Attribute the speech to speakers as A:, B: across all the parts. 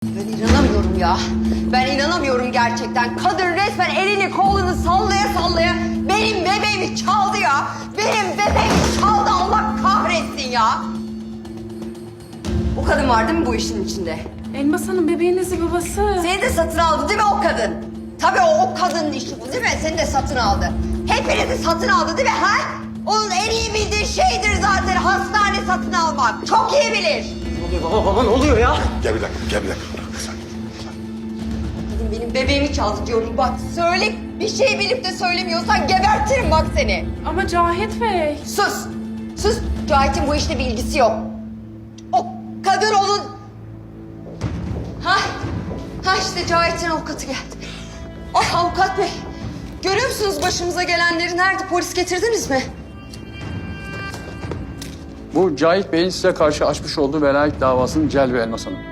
A: Ben inanamıyorum ya. Ben inanamıyorum gerçekten. Kadın resmen elini kolunu sallaya sallaya benim bebeğimi çaldı ya. Benim bebeğimi çaldı, Allah kahretsin ya. O kadın var değil mi bu işin içinde?
B: Elmas Hanım bebeğinizin babası.
A: Seni de satın aldı değil mi o kadın? Tabii o kadının işi bu değil mi? Seni de satın aldı. Hepinizi satın aldı değil mi ha? Onun en iyi bildiği şeydir zaten hastane satın almak. Çok iyi bilir.
C: Ne oluyor baba ne oluyor ya?
D: Gel bir dakika.
A: Kadın benim bebeğimi çaldı diyorum. Bak söyle, bir şey bilip de söylemiyorsan gebertirim bak seni.
B: Ama Cahit Bey.
A: Sus. Sus. Cahit'in bu işte bir ilgisi yok. O kadın onun... Ha işte Cahit'in avukatı geldi. Ah avukat bey. Görüyor musunuz başımıza gelenleri? Nerede? Polis getirdiniz mi?
E: Bu Cahit Bey'in size karşı açmış olduğu velayet davasının celbi Elmas Hanım.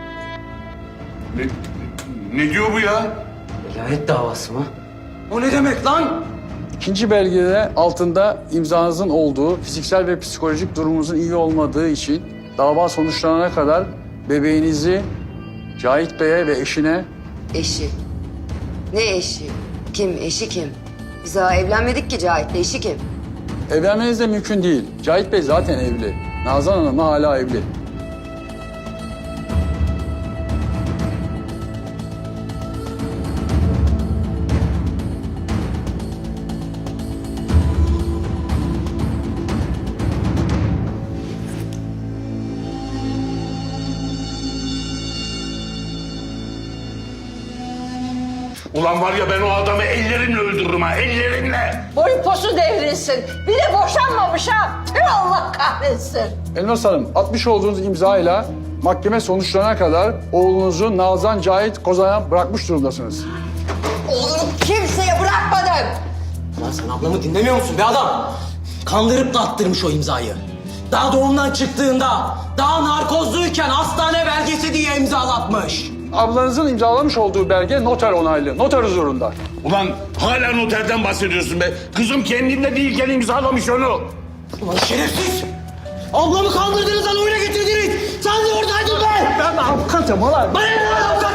D: Ne diyor bu ya?
C: Velayet davası mı? O ne demek lan?
E: İkinci belgede altında imzanızın olduğu, fiziksel ve psikolojik durumunuzun iyi olmadığı için dava sonuçlanana kadar bebeğinizi Cahit Bey'e ve eşine
A: Eşi. Ne eşi? Kim? Eşi kim? Biz daha evlenmedik ki Cahit'le. Eşi kim?
E: evlenmeniz de mümkün değil. Cahit Bey zaten evli. Nazan Hanım da hala evli.
D: Ulan var ya ben o adamı ellerimle öldürürüm ha, ellerimle.
F: Boyu posu devrilsin. Bir de boşanmamış ha. Tüh Allah kahretsin.
E: Elmas Hanım, atmış olduğunuz imzayla mahkeme sonuçlanana kadar oğlunuzu Nazan Cahit Kozan'a bırakmış durumdasınız.
A: Oğlumu kimseye bırakmadım.
C: Lan sen ablamı dinlemiyor musun be adam? Kandırıp da attırmış o imzayı. Daha doğumdan çıktığında, daha narkozluyken hastane belgesi diye imzalatmış.
E: Ablanızın imzalamış olduğu belge noter onaylı, noter huzurunda.
D: Ulan hala noterden bahsediyorsun be. Kızım kendinde değilken imzalamış onu.
C: Ulan şerefsiz! Ablamı kandırdınız lan oyuna getirdiniz! Sen de oradaydın be! Ben avukatım ulan! Bana ne lan avukat?